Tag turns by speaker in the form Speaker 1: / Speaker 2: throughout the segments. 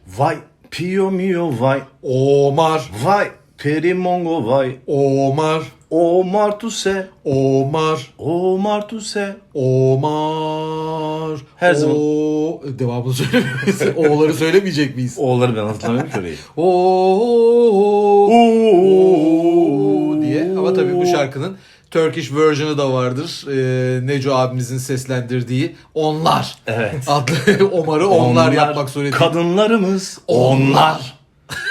Speaker 1: Vay Pio mio vay.
Speaker 2: Omar.
Speaker 1: Vay Perimongo vay.
Speaker 2: Omar.
Speaker 1: Omar Tuse.
Speaker 2: Omar.
Speaker 1: Omar Tuse.
Speaker 2: Omar.
Speaker 1: Her zaman-
Speaker 2: Devamını söylemeyiz. O'ları söylemeyecek miyiz?
Speaker 1: Oğulları ben hatırlamıyorum ki orayı.
Speaker 2: Diye. Ama tabii bu şarkının Turkish version'ı da vardır. Neco abimizin seslendirdiği Onlar.
Speaker 1: Evet.
Speaker 2: Adlı Omar'ı onlar yapmak suretiyle.
Speaker 1: Kadınlarımız onlar.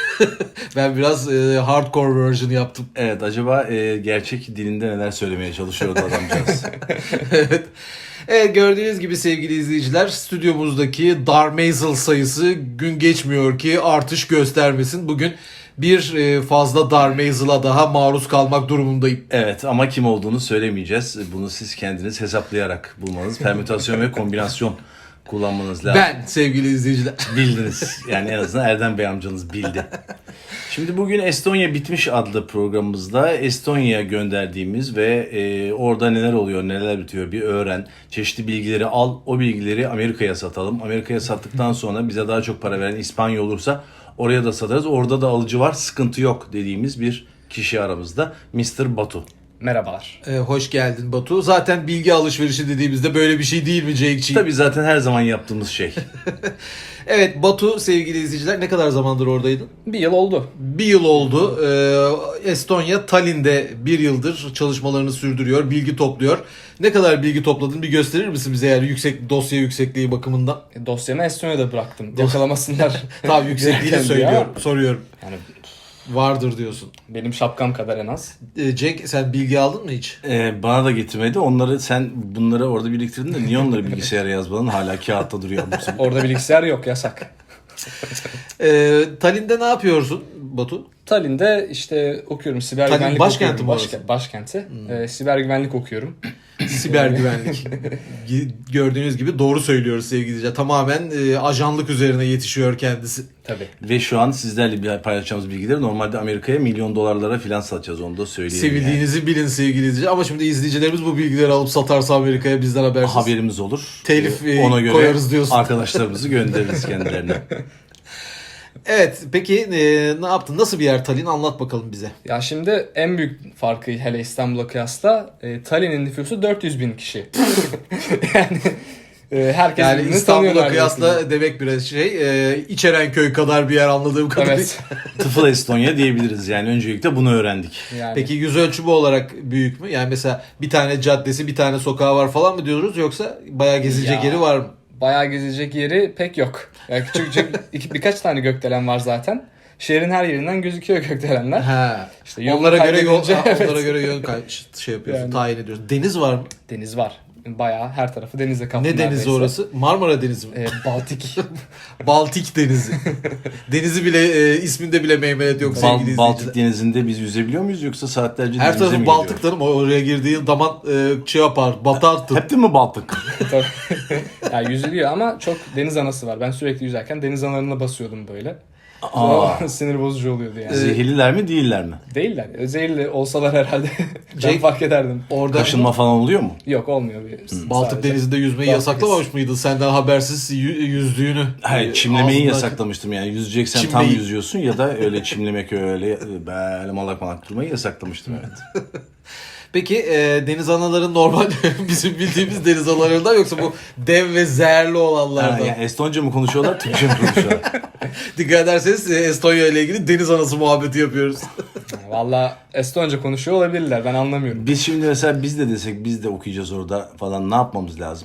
Speaker 2: Ben biraz hardcore version yaptım.
Speaker 1: Evet, acaba gerçek dilinde neler söylemeye çalışıyordu adamcağız.
Speaker 2: Evet. Evet, gördüğünüz gibi sevgili izleyiciler, stüdyomuzdaki Darmazel sayısı gün geçmiyor ki artış göstermesin. Bugün bir fazla Darmazel'a daha maruz kalmak durumundayım.
Speaker 1: Evet, ama kim olduğunu söylemeyeceğiz. Bunu siz kendiniz hesaplayarak bulmanız, permütasyon ve kombinasyon kullanmanız lazım.
Speaker 2: Ben sevgili izleyiciler.
Speaker 1: Bildiniz. Yani en azından Erdem Bey amcanız bildi. Şimdi bugün Estonya Bitmiş adlı programımızda Estonya'ya gönderdiğimiz ve orada neler oluyor, neler bitiyor bir öğren. Çeşitli bilgileri al, o bilgileri Amerika'ya satalım. Amerika'ya sattıktan sonra bize daha çok para veren İspanya olursa oraya da satarız. Orada da alıcı var, sıkıntı yok dediğimiz bir kişi aramızda. Mr. Batu.
Speaker 3: Merhabalar.
Speaker 2: Hoş geldin Batu. Zaten bilgi alışverişi dediğimizde böyle bir şey değil mi Cenk'ciğim?
Speaker 1: Tabii zaten her zaman yaptığımız şey.
Speaker 2: Evet Batu, sevgili izleyiciler, ne kadar zamandır oradaydın?
Speaker 3: Bir yıl oldu.
Speaker 2: Bir yıl oldu. Estonya Tallinn'de bir yıldır çalışmalarını sürdürüyor, bilgi topluyor. Ne kadar bilgi topladın bir gösterir misin bize, yani dosya yüksekliği bakımından?
Speaker 3: Dosyamı Estonya'da bıraktım. Yakalamasınlar.
Speaker 2: Tamam, yüksekliğini
Speaker 3: Derken
Speaker 2: söylüyorum,
Speaker 3: ya.
Speaker 2: soruyorum.
Speaker 3: Yani
Speaker 2: Vardır diyorsun.
Speaker 3: benim şapkam kadar en az.
Speaker 2: Cenk, sen bilgi aldın mı hiç?
Speaker 1: Bana da getirmedi. Sen bunları orada biriktirdin de niye onları bilgisayara yazmadın? Hala kağıtta duruyor.
Speaker 3: Orada bilgisayar yok, yasak.
Speaker 2: Tallinn'de ne yapıyorsun Batu?
Speaker 3: Tallinn'de işte okuyorum. Siber
Speaker 2: Tallinn
Speaker 3: güvenlik
Speaker 2: başkenti
Speaker 3: okuyorum.
Speaker 2: mi orası?
Speaker 3: Başkenti. Siber güvenlik okuyorum.
Speaker 2: Siber güvenlik. Gördüğünüz gibi doğru söylüyoruz sevgili izleyiciler. Tamamen ajanlık üzerine yetişiyor kendisi.
Speaker 3: Tabii.
Speaker 1: Ve şu an sizlerle paylaşacağımız bilgileri normalde Amerika'ya milyon dolarlara filan satacağız, onu da söyleyeyim.
Speaker 2: Sevildiğinizi bilin sevgili izleyiciler. Ama şimdi izleyicilerimiz bu bilgileri alıp satarsa Amerika'ya bizden habersiz.
Speaker 1: Haberimiz olur.
Speaker 2: Telif
Speaker 1: Ona göre
Speaker 2: koyarız diyorsun.
Speaker 1: arkadaşlarımızı göndeririz kendilerine.
Speaker 2: Evet, peki ne yaptın? Nasıl bir yer Tallinn? Anlat bakalım bize.
Speaker 3: Ya şimdi en büyük farkı hele İstanbul'a kıyasla Tallinn'in nüfusu 400 bin kişi. Yani herkes
Speaker 2: Yani
Speaker 3: birbirini
Speaker 2: İstanbul'a
Speaker 3: tanıyor
Speaker 2: kıyasla
Speaker 3: neredeyse.
Speaker 2: demek biraz İçerenköy kadar bir yer anladığım kadarıyla.
Speaker 3: Evet.
Speaker 1: Tıfıl Estonya diyebiliriz yani, öncelikle bunu öğrendik.
Speaker 3: Yani.
Speaker 2: Peki yüz ölçümü olarak büyük mü? Yani mesela bir tane caddesi, bir tane sokağı var falan mı diyoruz, yoksa bayağı gezilecek
Speaker 3: Ya.
Speaker 2: yeri var mı?
Speaker 3: Bayağı gezecek yeri pek yok. Yani küçük birkaç tane gökdelen var zaten. Şehrin her yerinden gözüküyor gökdelenler.
Speaker 2: Ha.
Speaker 3: İşte yolunu
Speaker 2: onlara göre yol,
Speaker 3: kaybedince, evet.
Speaker 2: onlara göre yön şey yapıyorsun,
Speaker 3: Yani.
Speaker 2: tayin ediyorsun. Deniz var mı?
Speaker 3: Deniz var. Bayağı her tarafı denizle kaplı.
Speaker 2: Ne denizi
Speaker 3: neredeyse.
Speaker 2: orası? Marmara Denizi mi?
Speaker 3: Baltik.
Speaker 2: Baltik Denizi. Denizi bile isminde bile meymenet yok sevgili
Speaker 1: Baltik
Speaker 2: izleyiciler.
Speaker 1: denizinde biz yüzebiliyor muyuz, yoksa saatlerce
Speaker 2: Her
Speaker 1: denize mi
Speaker 2: tarafı
Speaker 1: gidiyoruz?
Speaker 2: Baltık tanım. Oraya girdiğin zaman şey yapar, batarsın.
Speaker 1: Hep de mi Baltık?
Speaker 3: Yani yüzülüyor ama çok deniz anası var. Ben sürekli yüzerken deniz analarına basıyordum böyle.
Speaker 1: Aa.
Speaker 3: Sinir bozucu oluyordu yani.
Speaker 1: Zehirliler mi değiller mi?
Speaker 3: Değiller. Zehirli olsalar herhalde ben
Speaker 2: Cenk-
Speaker 3: fark ederdim.
Speaker 2: Orada
Speaker 1: Kaşınma falan oluyor mu?
Speaker 3: Yok, olmuyor.
Speaker 2: Baltık
Speaker 3: Sadece.
Speaker 2: Denizi'nde yüzmeyi
Speaker 3: Baltık
Speaker 2: yasaklamamış mıydın? Senden habersiz yüzdüğünü.
Speaker 1: Hayır, çimlemeyi
Speaker 2: ağzından-
Speaker 1: yasaklamıştım yani. Yüzeceksen tam
Speaker 2: Çimmeyi.
Speaker 1: yüzüyorsun ya da öyle çimlemek, öyle böyle malak durmayı yasaklamıştım, evet.
Speaker 2: Peki deniz anaları normal bizim bildiğimiz deniz analarından, yoksa bu dev ve zehirli olanlardan?
Speaker 1: Yani Estonca mı konuşuyorlar, Türkçe mi konuşuyorlar?
Speaker 2: Dikkat ederseniz Estonya ile ilgili deniz anası muhabbeti yapıyoruz.
Speaker 3: Valla Estonca konuşuyor olabilirler. Ben anlamıyorum.
Speaker 1: Biz şimdi mesela biz de desek biz de okuyacağız orada falan, ne yapmamız lazım?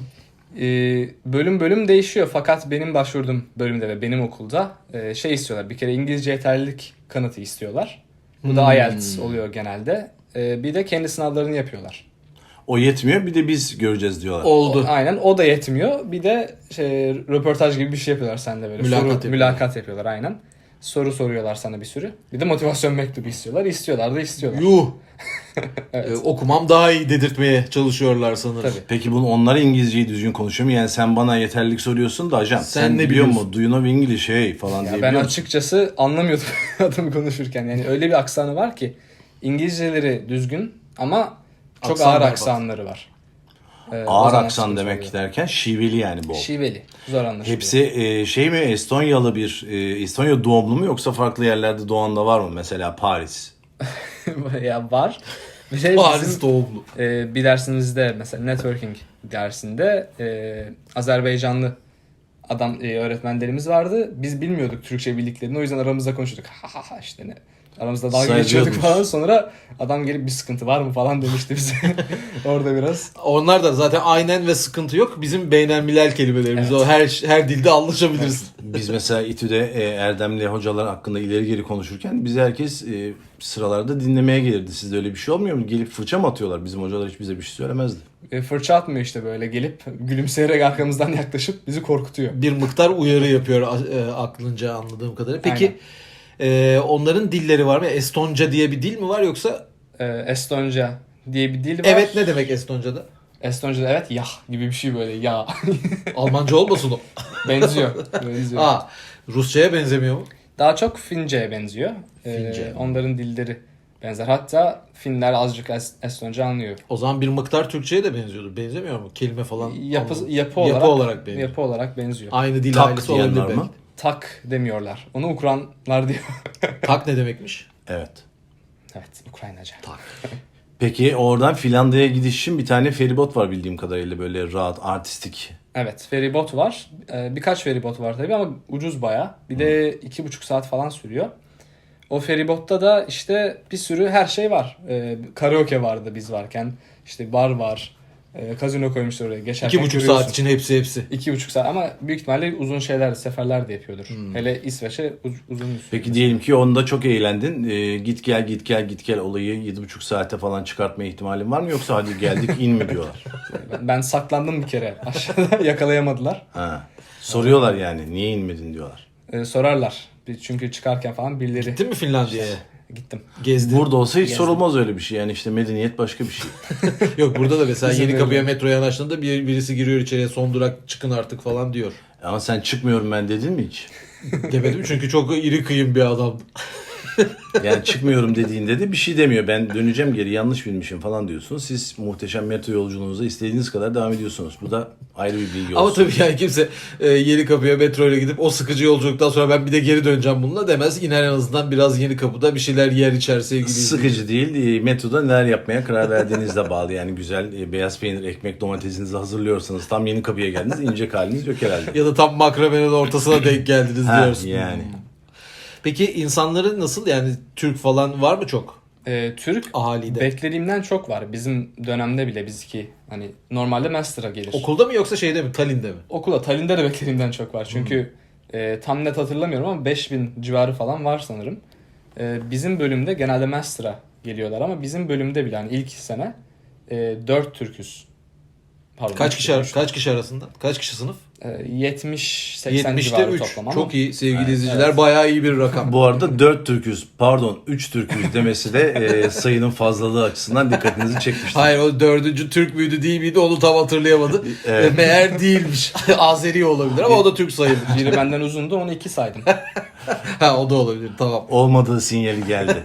Speaker 3: Bölüm bölüm değişiyor. Fakat benim başvurduğum bölümde ve benim okulda şey istiyorlar. Bir kere İngilizce yeterlilik kanıtı istiyorlar. Bu da IELTS oluyor genelde. Bir de kendi sınavlarını yapıyorlar.
Speaker 1: O yetmiyor, bir de biz göreceğiz diyorlar.
Speaker 2: Oldu.
Speaker 3: Aynen, o da yetmiyor. Bir de röportaj gibi bir şey yapıyorlar seninle böyle. Mülakat yapıyorlar aynen. Soru soruyorlar sana bir sürü. Bir de motivasyon mektubu istiyorlar. İstiyorlar da istiyorlar.
Speaker 2: Yuh.
Speaker 3: Evet.
Speaker 2: Okumam daha iyi dedirtmeye çalışıyorlar sanırım.
Speaker 3: Tabii.
Speaker 1: Peki bunu onlar İngilizceyi düzgün konuşuyor mu? Yani sen bana yeterlilik soruyorsun da ajan.
Speaker 2: Sen ne
Speaker 1: biliyor
Speaker 2: biliyorsun?
Speaker 1: musun? Do you know English hey falan
Speaker 3: Ya
Speaker 1: diye
Speaker 3: ben
Speaker 1: biliyor musun?
Speaker 3: açıkçası anlamıyordum adamı konuşurken. Yani öyle bir aksanı var ki İngilizceleri düzgün ama çok
Speaker 2: Aksan
Speaker 3: ağır
Speaker 2: berbat.
Speaker 3: aksanları var.
Speaker 1: Ağır
Speaker 3: zaman
Speaker 1: aksan
Speaker 3: sıkıntı
Speaker 1: demek
Speaker 3: oluyor.
Speaker 1: derken şiveli yani bol.
Speaker 3: Şiveli. Zor anlaşılıyor.
Speaker 1: Hepsi şey mi, Estonyalı Estonya doğumlu mu, yoksa farklı yerlerde doğan da var mı? Mesela Paris.
Speaker 3: Ya var. Bir şey
Speaker 2: Paris
Speaker 3: bizim,
Speaker 2: doğumlu.
Speaker 3: bir dersimizde mesela networking dersinde Azerbaycanlı öğretmenlerimiz vardı. Biz bilmiyorduk Türkçe bildiklerini. O yüzden aramızda konuşuyorduk. Ha ha ha işte ne. Aramızda dalga geçiyorduk falan. Sonra adam gelip bir sıkıntı var mı falan demişti bize. Orada biraz.
Speaker 2: Onlar da zaten aynen ve sıkıntı yok. Bizim beynelmilel kelimelerimiz.
Speaker 3: Evet.
Speaker 2: O her dilde anlaşabilirsin.
Speaker 1: Biz mesela İTÜ'de Erdemli hocalar hakkında ileri geri konuşurken bizi herkes sıralarda dinlemeye gelirdi. Sizde öyle bir şey olmuyor mu? Gelip fırça mı atıyorlar? Bizim hocalar hiç bize bir şey söylemezdi.
Speaker 3: Fırça atmıyor işte böyle gelip gülümseyerek arkamızdan yaklaşıp bizi korkutuyor.
Speaker 2: Bir miktar uyarı yapıyor aklınca anladığım kadarıyla. Peki onların dilleri var mı? Estonca diye bir dil mi var yoksa?
Speaker 3: Estonca diye bir dil var.
Speaker 2: Evet, ne demek Estonca'da?
Speaker 3: Estonca'da evet yah gibi bir şey böyle ya.
Speaker 2: Almanca olmasın o?
Speaker 3: Benziyor. Benziyor.
Speaker 2: Aa, Rusça'ya benzemiyor mu?
Speaker 3: Daha çok Fince'ye benziyor.
Speaker 2: Fince.
Speaker 3: Onların dilleri benzer. Hatta Finler azıcık Estonca anlıyor.
Speaker 2: O zaman bir miktar Türkçe'ye de benziyordu. Benzemiyor mu? Kelime falan.
Speaker 3: Yapı
Speaker 2: olarak benziyor.
Speaker 3: Yapı olarak benziyor.
Speaker 2: Aynı dil
Speaker 1: Tak
Speaker 2: ailesi
Speaker 1: diyen
Speaker 2: olabilir
Speaker 1: var
Speaker 2: belki.
Speaker 1: mı?
Speaker 3: Tak demiyorlar. Onu Ukranlar diyor.
Speaker 2: Tak ne demekmiş?
Speaker 1: Evet.
Speaker 3: Evet, Ukraynaca.
Speaker 2: Tak.
Speaker 1: Peki oradan Finlandiya'ya gidiş için bir tane feribot var bildiğim kadarıyla, böyle rahat, artistik.
Speaker 3: Evet, feribot var. Birkaç feribot var tabii ama ucuz baya. Bir de 2,5 saat falan sürüyor. O feribotta da işte bir sürü her şey var. Karaoke vardı biz varken. İşte bar var. Kazino koymuşlar oraya. Geçerken
Speaker 2: 2,5
Speaker 3: görüyorsun.
Speaker 2: saat için hepsi.
Speaker 3: 2,5 saat ama büyük ihtimalle uzun seferler de yapıyordur. Hele İsveç'e uzun bir süre.
Speaker 1: Peki diyelim ki onda çok eğlendin. Git gel olayı 7,5 saate falan çıkartma ihtimalin var mı? Yoksa hadi geldik in mi diyorlar?
Speaker 3: Ben saklandım bir kere aşağıda yakalayamadılar.
Speaker 1: Ha. Soruyorlar yani niye inmedin diyorlar.
Speaker 3: Sorarlar. Çünkü çıkarken falan birileri...
Speaker 2: Gittin mi Finlandiya'ya?
Speaker 3: Gittim.
Speaker 2: Gezdin.
Speaker 1: Burada olsa hiç
Speaker 3: Gezdim.
Speaker 1: sorulmaz öyle bir şey. Yani işte medeniyet başka bir şey.
Speaker 2: Yok, burada da mesela
Speaker 3: Bizim
Speaker 2: yeni kapıya
Speaker 3: öyle.
Speaker 2: metroya yanaştığında birisi giriyor içeriye, son durak çıkın artık falan diyor.
Speaker 1: Ama sen çıkmıyorum ben dedin mi hiç?
Speaker 2: Demedim çünkü çok iri kıyım bir adamdı.
Speaker 1: Yani çıkmıyorum dediğinde de bir şey demiyor. Ben döneceğim geri, yanlış bilmişim falan diyorsunuz. Siz muhteşem metro yolculuğunuza istediğiniz kadar devam ediyorsunuz. Bu da ayrı bir bilgi
Speaker 2: Ama
Speaker 1: olsun.
Speaker 2: tabii yani kimse yeni kapıya metro ile gidip o sıkıcı yolculuktan sonra ben bir de geri döneceğim bununla demez. İner en azından biraz yeni kapıda bir şeyler yer içer sevgili
Speaker 1: Sıkıcı değil. Metroda neler yapmaya karar verdiğinizle bağlı. Yani güzel beyaz peynir, ekmek, domatesinizi hazırlıyorsanız tam yeni kapıya geldiniz. İnecek haliniz yok herhalde.
Speaker 2: Ya da tam makramenin ortasına denk geldiniz
Speaker 1: Ha,
Speaker 2: diyorsun.
Speaker 1: yani.
Speaker 2: Peki insanları nasıl, yani Türk falan var mı çok
Speaker 3: Türk
Speaker 2: ahalide?
Speaker 3: beklediğimden çok var. Bizim dönemde bile bizki hani normalde master'a gelir.
Speaker 2: Okulda mı yoksa şeyde mi, Tallinn'de mi?
Speaker 3: Okula, Tallinn'de de beklediğimden çok var. Çünkü tam net hatırlamıyorum ama 5000 civarı falan var sanırım. Bizim bölümde genelde master'a geliyorlar ama bizim bölümde bile hani ilk sene 4 Türküz. Pardon,
Speaker 2: Kaç kişi
Speaker 3: üç-
Speaker 2: kaç kişi arasında? Kaç kişi sınıf?
Speaker 3: 70-80
Speaker 2: 70'te
Speaker 3: civarı
Speaker 2: 3.
Speaker 3: toplam ama.
Speaker 2: Çok iyi sevgili izleyiciler. Bayağı iyi bir rakam.
Speaker 1: Bu arada 4 Türküz, pardon 3 Türküz demesi de sayının fazlalığı açısından dikkatinizi çekmiştir.
Speaker 2: Hayır, o 4. Türk müydü değil miydi onu tam hatırlayamadı.
Speaker 1: Evet.
Speaker 2: Meğer değilmiş. Azeri olabilir ama o da Türk sayılır.
Speaker 3: Biri benden uzundu, onu 2 saydım.
Speaker 2: Ha, o da olabilir, tamam.
Speaker 1: Olmadığı sinyali geldi.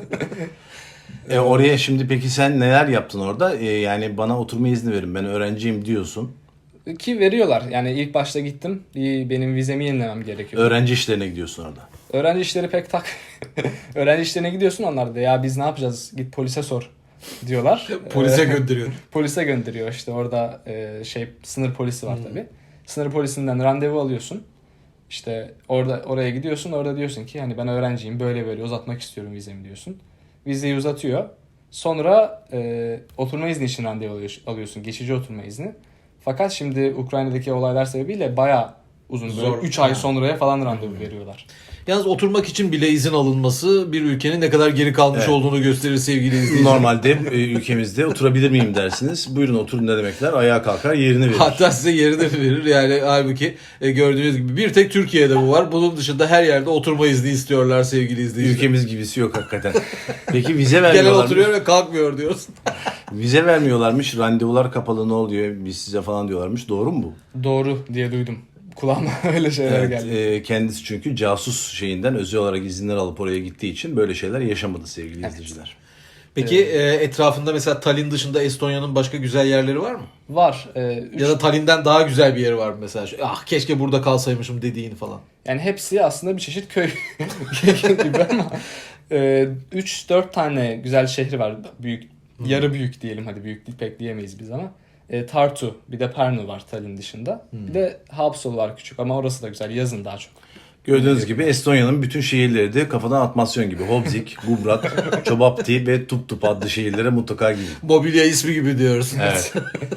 Speaker 1: Oraya şimdi peki sen neler yaptın orada? Yani bana oturma izni verin, ben öğrenciyim diyorsun.
Speaker 3: Ki veriyorlar. Yani ilk başta gittim. Benim vizemi yenilemem gerekiyor.
Speaker 1: Öğrenci işlerine gidiyorsun orada.
Speaker 3: Öğrenci işleri pek tak. Öğrenci işlerine gidiyorsun, onlar da ya biz ne yapacağız, git polise sor diyorlar.
Speaker 2: Polise gönderiyor.
Speaker 3: Polise gönderiyor işte orada sınır polisi var tabii. Sınır polisinden randevu alıyorsun. İşte oraya gidiyorsun, orada diyorsun ki hani ben öğrenciyim, böyle uzatmak istiyorum vizemi diyorsun. Vizeyi uzatıyor. Sonra oturma izni için randevu alıyorsun, geçici oturma izni. Fakat şimdi Ukrayna'daki olaylar sebebiyle bayağı uzun, böyle
Speaker 2: Zor.
Speaker 3: 3 ay sonraya falan randevu veriyorlar.
Speaker 2: Yalnız oturmak için bile izin alınması bir ülkenin ne kadar geri kalmış
Speaker 1: Evet.
Speaker 2: olduğunu gösterir sevgili izleyiciler.
Speaker 1: Normalde ülkemizde oturabilir miyim dersiniz. Buyurun oturun ne demekler? Ayağa kalkar yerini verir.
Speaker 2: Hatta size yerini de verir. Yani halbuki gördüğünüz gibi bir tek Türkiye'de bu var. Bunun dışında her yerde oturma izni istiyorlar sevgili izleyiciler.
Speaker 1: Ülkemiz gibisi yok hakikaten. Peki vize
Speaker 2: Gelen
Speaker 1: vermiyorlar.
Speaker 2: oturuyor ve kalkmıyor diyoruz.
Speaker 1: Vize vermiyorlarmış. Randevular kapalı, ne oluyor? Biz size falan diyorlarmış. Doğru mu bu?
Speaker 3: Doğru diye duydum. Kulağıma öyle şeyler
Speaker 1: Evet,
Speaker 3: geldi.
Speaker 1: kendisi çünkü casus şeyinden özel olarak izinler alıp oraya gittiği için böyle şeyler yaşamadı sevgili izleyiciler.
Speaker 2: Peki etrafında mesela Tallinn dışında Estonya'nın başka güzel yerleri var mı?
Speaker 3: Var.
Speaker 2: Ya da Tallinn'den daha güzel bir yeri var mı mesela? Ah keşke burada kalsaymışım dediğin falan.
Speaker 3: Yani hepsi aslında bir çeşit köy gibi ama 3-4 tane güzel şehri var. Büyük, yarı büyük diyelim, hadi büyük pek diyemeyiz biz ama. Tartu, bir de Pärnu var Tallinn dışında. Bir de Haapsalu var küçük ama orası da güzel. Yazın daha çok.
Speaker 1: Gördüğünüz gibi Estonya'nın bütün şehirleri de kafadan atmasyon gibi. Hobzig, Gubrak, Çobapti ve Tuptup adlı şehirlere mutlaka gidin.
Speaker 2: Mobilya ismi gibi diyoruz.
Speaker 1: Evet.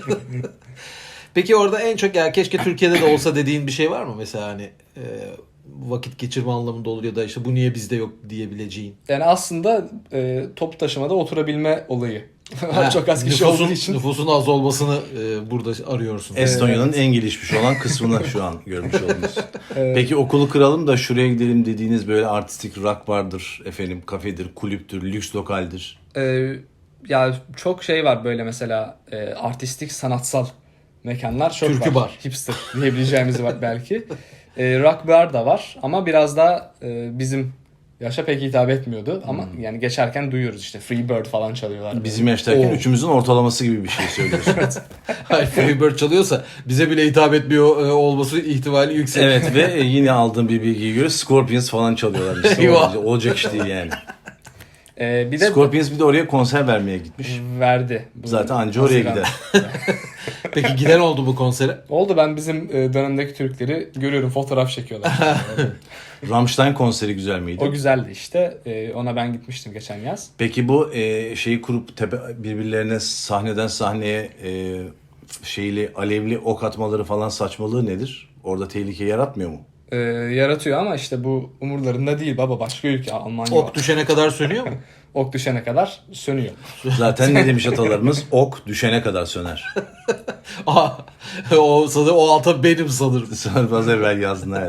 Speaker 2: Peki orada en çok ya keşke Türkiye'de de olsa dediğin bir şey var mı? Mesela hani vakit geçirme anlamında olur ya da işte bu niye bizde yok diyebileceğin.
Speaker 3: Yani aslında toplu taşımada oturabilme olayı. Çok az kişi olduğu için.
Speaker 2: Nüfusun az olmasını burada arıyorsun.
Speaker 1: Estonya'nın en gelişmiş olan kısmını şu an görmüş oldunuz. Peki okulu kıralım da şuraya gidelim dediğiniz böyle artistik rock bardır, efendim kafedir, kulüptür, lüks lokaldir.
Speaker 3: Ya çok şey var böyle mesela artistik, sanatsal mekanlar çok
Speaker 2: Türkü
Speaker 3: var.
Speaker 2: bar.
Speaker 3: Hipster diyebileceğimiz var belki. Rock bar da var ama biraz da bizim yaşa pek hitap etmiyordu ama yani geçerken duyuyoruz işte Freebird falan çalıyorlar.
Speaker 1: Bizim yaştayken
Speaker 2: Oo.
Speaker 1: üçümüzün ortalaması gibi bir şey söylüyorsun.
Speaker 2: Hayır, Freebird çalıyorsa bize bile hitap etmiyor olması ihtimali yüksek.
Speaker 1: Evet ve yine aldığım bir bilgiye göre Scorpions falan çalıyorlar. İşte
Speaker 2: Eyvah.
Speaker 1: olacak iş değil yani.
Speaker 3: Bir de
Speaker 1: Scorpions bir de oraya konser vermeye gitmiş.
Speaker 3: verdi. Bu
Speaker 1: Zaten anca oraya
Speaker 3: Haziran.
Speaker 1: gider.
Speaker 2: Peki giden oldu bu konsere?
Speaker 3: Oldu, ben bizim dönemdeki Türkleri görüyorum, fotoğraf çekiyorlar.
Speaker 1: Rammstein konseri güzel miydi?
Speaker 3: O güzeldi işte. Ona ben gitmiştim geçen yaz.
Speaker 1: Peki bu şeyi kurup birbirlerine sahneden sahneye şeyli alevli ok atmaları falan saçmalığı nedir? Orada tehlike yaratmıyor mu?
Speaker 3: Yaratıyor ama işte bu umurlarında değil baba. Başka ülke, Almanya
Speaker 2: Ok
Speaker 3: var.
Speaker 2: düşene kadar sönüyor mu?
Speaker 3: Ok düşene kadar sönüyor.
Speaker 1: Zaten ne demiş atalarımız? Ok düşene kadar söner.
Speaker 2: Aha, o alta benim sanırım.
Speaker 1: Sonra az evvel yazdın evet.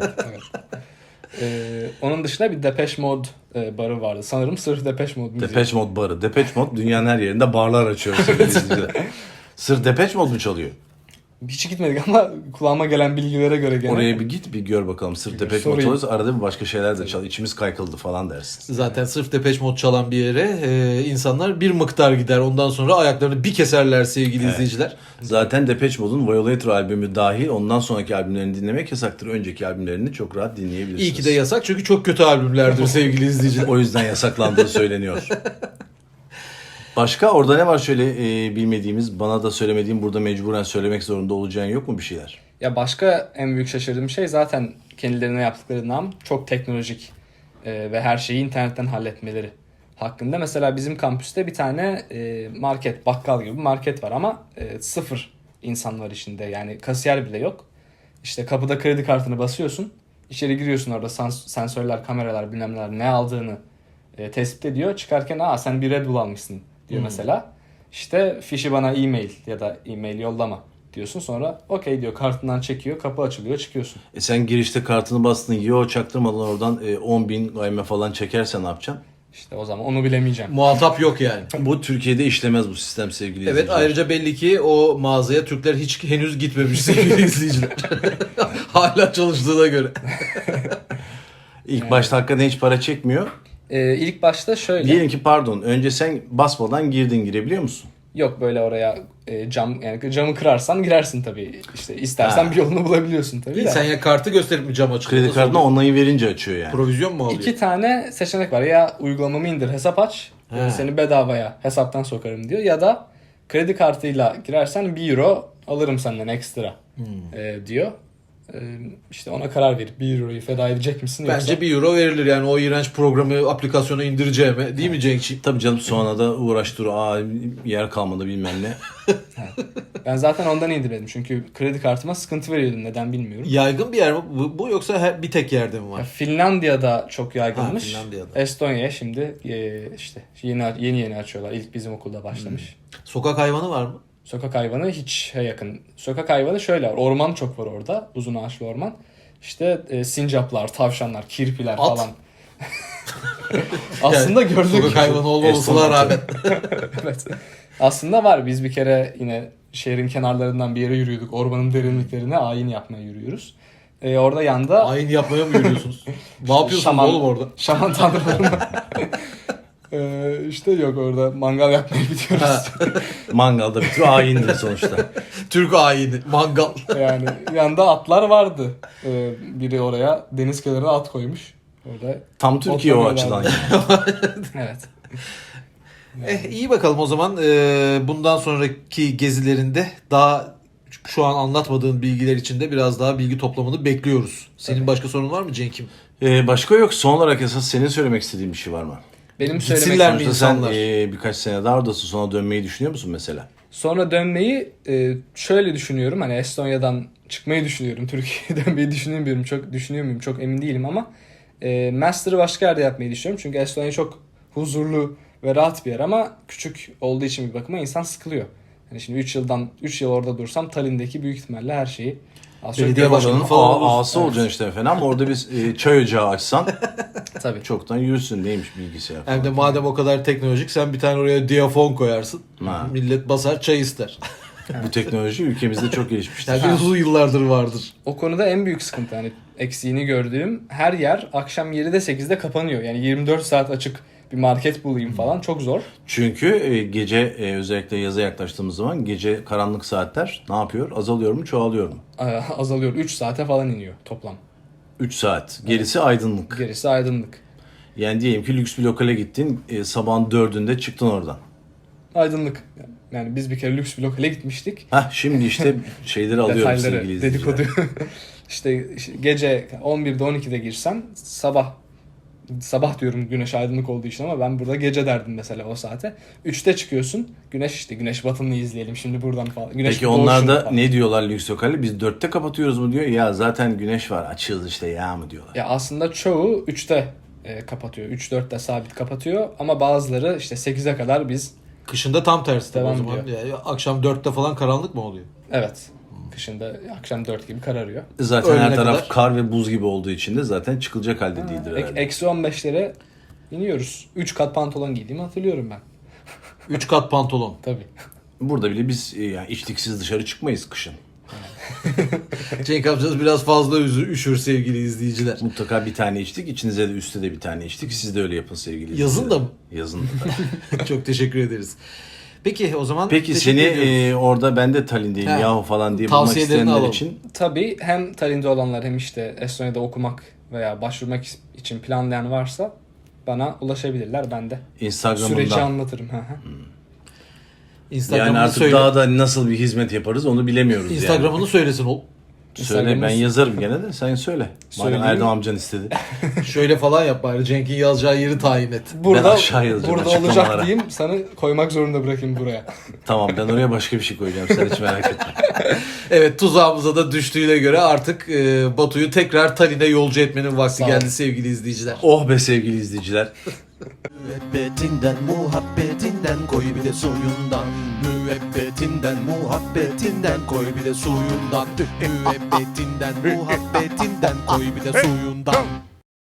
Speaker 3: Onun dışında bir Depeche Mode barı vardı. Sanırım sırf Depeche Mode müziği.
Speaker 1: Depeche Mode barı. Depeche Mode dünyanın her yerinde barlar açıyor. sevgili izleyiciler. Sırf Depeche Mode mu çalıyor?
Speaker 3: Hiç gitmedik ama kulağıma gelen bilgilere göre gene.
Speaker 1: Oraya bir git bir gör bakalım. Sırf Depeche Mode
Speaker 3: sorayım.
Speaker 1: çalıyorsa arada bir başka şeyler de çal. İçimiz kaykıldı falan dersin.
Speaker 2: Zaten sırf Depeche Mode çalan bir yere insanlar bir miktar gider. Ondan sonra ayaklarını bir keserler sevgili izleyiciler.
Speaker 1: Zaten Depeche Mode'un Violator albümü dahil ondan sonraki albümlerini dinlemek yasaktır. Önceki albümlerini çok rahat dinleyebilirsiniz.
Speaker 2: İyi ki de yasak çünkü çok kötü albümlerdir sevgili izleyiciler.
Speaker 1: O yüzden yasaklandığı söyleniyor. Başka orada ne var şöyle bilmediğimiz, bana da söylemediğim, burada mecburen söylemek zorunda olacağın yok mu bir şeyler?
Speaker 3: Ya başka en büyük şaşırdığım şey zaten kendilerine yaptıkları nam çok teknolojik ve her şeyi internetten halletmeleri hakkında. Mesela bizim kampüste bir tane market, bakkal gibi bir market var ama sıfır insan var içinde. Yani kasiyer bile yok. İşte kapıda kredi kartını basıyorsun. İçeri giriyorsun, orada sensörler, kameralar, bilmem neler ne aldığını tespit ediyor. Çıkarken sen bir Red Bull almışsın diyor mesela. İşte fişi bana e-mail ya da e-mail yollama diyorsun. Sonra okey diyor, kartından çekiyor, kapı açılıyor, çıkıyorsun.
Speaker 1: Sen girişte kartını bastın, çaktırmadan oradan 10.000 gayme falan çekersen ne yapacaksın?
Speaker 3: İşte o zaman onu bilemeyeceğim.
Speaker 2: Muhatap yok yani.
Speaker 1: Bu Türkiye'de işlemez bu sistem sevgili
Speaker 2: Evet,
Speaker 1: izleyiciler.
Speaker 2: ayrıca belli ki o mağazaya Türkler hiç henüz gitmemiş sevgili izleyiciler. Hala çalıştığına göre.
Speaker 1: İlk başta hakikaten hiç para çekmiyor.
Speaker 3: İlk başta şöyle.
Speaker 1: Diyelim ki pardon, önce sen basmadan girebiliyor musun?
Speaker 3: Yok, böyle oraya camı kırarsan girersin tabii. İşte istersen bir yolunu bulabiliyorsun tabii de.
Speaker 2: Sen ya kartı gösterip mi cam açılıyor?
Speaker 1: Kredi kartına onayı verince açıyor yani.
Speaker 2: Provizyon mu alıyor?
Speaker 3: 2 tane seçenek var. Ya uygulamamı indir, hesap aç.
Speaker 2: He.
Speaker 3: Seni bedavaya hesaptan sokarım diyor. Ya da kredi kartıyla girersen 1 euro alırım senden ekstra diyor. İşte ona karar verip 1 euroyu feda edecek misin yoksa?
Speaker 2: Bence 1 euro verilir yani o iğrenç programı, aplikasyonu indireceğime. Değil mi Cenk'ciğim?
Speaker 1: Tabii canım, sonra da uğraş dur, yer kalmadı bilmem ne.
Speaker 3: Ben zaten ondan indirmedim. Çünkü kredi kartıma sıkıntı veriyordum. Neden bilmiyorum.
Speaker 2: Yaygın bir yer mi bu yoksa bir tek yerde mi
Speaker 3: Ya
Speaker 2: var?
Speaker 3: Finlandiya'da çok yaygınmış.
Speaker 2: Ha, Finlandiya'da.
Speaker 3: Estonya'ya şimdi işte yeni açıyorlar. İlk bizim okulda başlamış.
Speaker 2: Sokak hayvanı var mı?
Speaker 3: Sokak hayvanı hiç yakın. Sokak hayvanı şöyle var. Orman çok var orada. Uzun ağaçlı orman. İşte sincaplar, tavşanlar, kirpiler
Speaker 2: At.
Speaker 3: falan. Aslında
Speaker 2: Yani
Speaker 3: gördük.
Speaker 2: Sokak hayvanı olmamasına rağmen.
Speaker 3: Evet. Aslında var. Biz bir kere yine şehrin kenarlarından bir yere yürüyorduk. Ormanın derinliklerine ayin yapmaya yürüyoruz. Orada yanda
Speaker 2: Ayin yapmaya mı yürüyorsunuz? Ne yapıyorsunuz
Speaker 3: şaman-
Speaker 2: oğlum orada?
Speaker 3: şaman tanrılarına İşte yok, orada mangal yapmaya gidiyoruz.
Speaker 1: Mangalda bitiyor. Ayindir sonuçta.
Speaker 2: Türk ayini, mangal.
Speaker 3: Yani yanında atlar vardı. Biri oraya deniz kenarına at koymuş. Orada
Speaker 1: Tam Türkiye o
Speaker 3: otlamıyorlar.
Speaker 1: açıdan.
Speaker 3: Evet.
Speaker 2: İyi bakalım o zaman. Bundan sonraki gezilerinde daha şu an anlatmadığın bilgiler için de biraz daha bilgi toplamanı bekliyoruz. Senin
Speaker 3: Tabii.
Speaker 2: başka sorun var mı Cenk'im?
Speaker 1: Başka yok. Son olarak esas senin söylemek istediğin bir şey var mı?
Speaker 3: Benim
Speaker 2: Gitsinler
Speaker 3: söylemek
Speaker 2: mi
Speaker 1: Sonuçta sen
Speaker 2: insanlar?
Speaker 1: birkaç sene daha oradasın, sonra dönmeyi düşünüyor musun mesela?
Speaker 3: Sonra dönmeyi şöyle düşünüyorum. Hani Estonya'dan çıkmayı düşünüyorum. Türkiye'ye dönmeyi düşünmüyorum. Çok düşünüyor muyum? Çok emin değilim ama master'ı başka yerde yapmayı düşünüyorum. Çünkü Estonya çok huzurlu ve rahat bir yer ama küçük olduğu için bir bakıma insan sıkılıyor. Yani şimdi 3 yıl orada dursam Tallinn'deki büyük ihtimalle her şeyi az çok
Speaker 2: Belediye
Speaker 3: görürüm.
Speaker 2: başkanı
Speaker 1: Oranın
Speaker 2: falan olursun.
Speaker 1: ağası olacaksın işte efendim ama orada biz çay ocağı açsan
Speaker 3: Tabii.
Speaker 1: çoktan yürürsün, neymiş bilgisayar falan.
Speaker 2: Hem de madem o kadar teknolojik sen bir tane oraya diyafon koyarsın.
Speaker 1: Ha.
Speaker 2: Millet basar çay ister.
Speaker 1: Bu teknoloji ülkemizde çok gelişmiştir.
Speaker 2: Yani uzun yıllardır vardır.
Speaker 3: O konuda en büyük sıkıntı, hani eksiğini gördüğüm, her yer akşam 7'de 8'de kapanıyor. Yani 24 saat açık bir market bulayım falan çok zor.
Speaker 1: Çünkü gece özellikle yaza yaklaştığımız zaman gece karanlık saatler ne yapıyor? Azalıyor mu, çoğalıyor mu?
Speaker 3: Azalıyor. 3 saate falan iniyor toplam.
Speaker 1: 3 saat. Gerisi aydınlık.
Speaker 3: Gerisi aydınlık.
Speaker 1: Yani diyelim ki lüks bir lokale gittin, sabahın 4'ünde çıktın oradan.
Speaker 3: Aydınlık. Yani biz bir kere lüks bir lokale gitmiştik.
Speaker 1: Şimdi işte şeyleri alıyorum sevgili
Speaker 3: Detayları,
Speaker 1: izleyiciler.
Speaker 3: dedikodu. işte gece 11'de 12'de girsen sabah diyorum güneş aydınlık olduğu için ama ben burada gece derdim mesela o saate. 3'te çıkıyorsun. Güneş batımını izleyelim şimdi buradan falan. Güneş
Speaker 1: Peki
Speaker 3: doğuşunu
Speaker 1: onlar da
Speaker 3: falan.
Speaker 1: ne diyorlar lüks lokali? Biz 4'te kapatıyoruz mu diyor. Ya zaten güneş var, açığız işte ya mı diyorlar.
Speaker 3: Ya aslında çoğu 3'te kapatıyor. 3-4'te sabit kapatıyor ama bazıları işte 8'e kadar biz
Speaker 2: Kışında tam tersi tabii o
Speaker 3: Devam
Speaker 2: zaman. Yani akşam 4'te falan karanlık mı oluyor?
Speaker 3: evet. Kışında akşam 4 gibi kararıyor.
Speaker 1: Zaten
Speaker 2: Öğlene
Speaker 1: her taraf
Speaker 2: kadar.
Speaker 1: kar ve buz gibi olduğu için de zaten çıkılacak halde değildir herhalde.
Speaker 3: Eksi 15'lere iniyoruz. 3 kat pantolon giydiğimi hatırlıyorum ben.
Speaker 2: 3 kat pantolon.
Speaker 3: Tabii.
Speaker 1: Burada bile biz yani içliksiz dışarı çıkmayız kışın.
Speaker 2: Cenk amcanız biraz fazla üşür sevgili izleyiciler.
Speaker 1: Mutlaka bir tane içtik. İçinize de üstte de bir tane içtik. Siz de öyle yapın sevgili izleyiciler.
Speaker 2: Yazın da mı?
Speaker 1: Yazın da.
Speaker 2: Çok teşekkür ederiz. Peki o zaman
Speaker 1: Peki
Speaker 2: teşekkür
Speaker 1: seni
Speaker 2: ediyoruz.
Speaker 1: orada ben de Tallinn'deyim
Speaker 2: He.
Speaker 1: yahu falan diye bulmak
Speaker 2: Tavsiyelerini
Speaker 1: isteyenler
Speaker 2: alalım.
Speaker 1: için
Speaker 3: Tabii hem Tallinn'de olanlar hem işte Estonya'da okumak veya başvurmak için planlayan varsa bana ulaşabilirler. Ben de süreci
Speaker 1: Instagram'ından.
Speaker 3: anlatırım. Hı hı.
Speaker 2: Instagram'ını
Speaker 1: Yani artık
Speaker 2: söyle.
Speaker 1: daha da nasıl bir hizmet yaparız onu bilemiyoruz
Speaker 2: Instagram'ını söylesin ol.
Speaker 1: yani. Söyle ben
Speaker 3: Instagram'ımız-
Speaker 1: yazarım gene de sen söyle. Madem
Speaker 3: Söyleyeyim.
Speaker 1: Erdem amcan istedi.
Speaker 2: Şöyle falan yap bari. Cenk'in yazacağı yeri tayin et.
Speaker 3: Burada,
Speaker 1: aşağı yazacağım
Speaker 3: burada
Speaker 1: açıklamalara.
Speaker 3: olacak diyeyim, sana koymak zorunda bırakayım buraya.
Speaker 1: Tamam ben oraya başka bir şey koyacağım sen hiç merak etme.
Speaker 2: Evet tuzağımıza da düştüğüne göre artık Batu'yu tekrar Tallinn'e yolcu etmenin vakti
Speaker 3: Sağ ol.
Speaker 2: geldi sevgili izleyiciler.
Speaker 1: Oh be sevgili izleyiciler.
Speaker 4: Müebbetinden muhabbetinden koy bir de suyundan. Müebbetinden muhabbetinden koy bir de suyundan. Müebbetinden muhabbetinden koy bir de suyundan.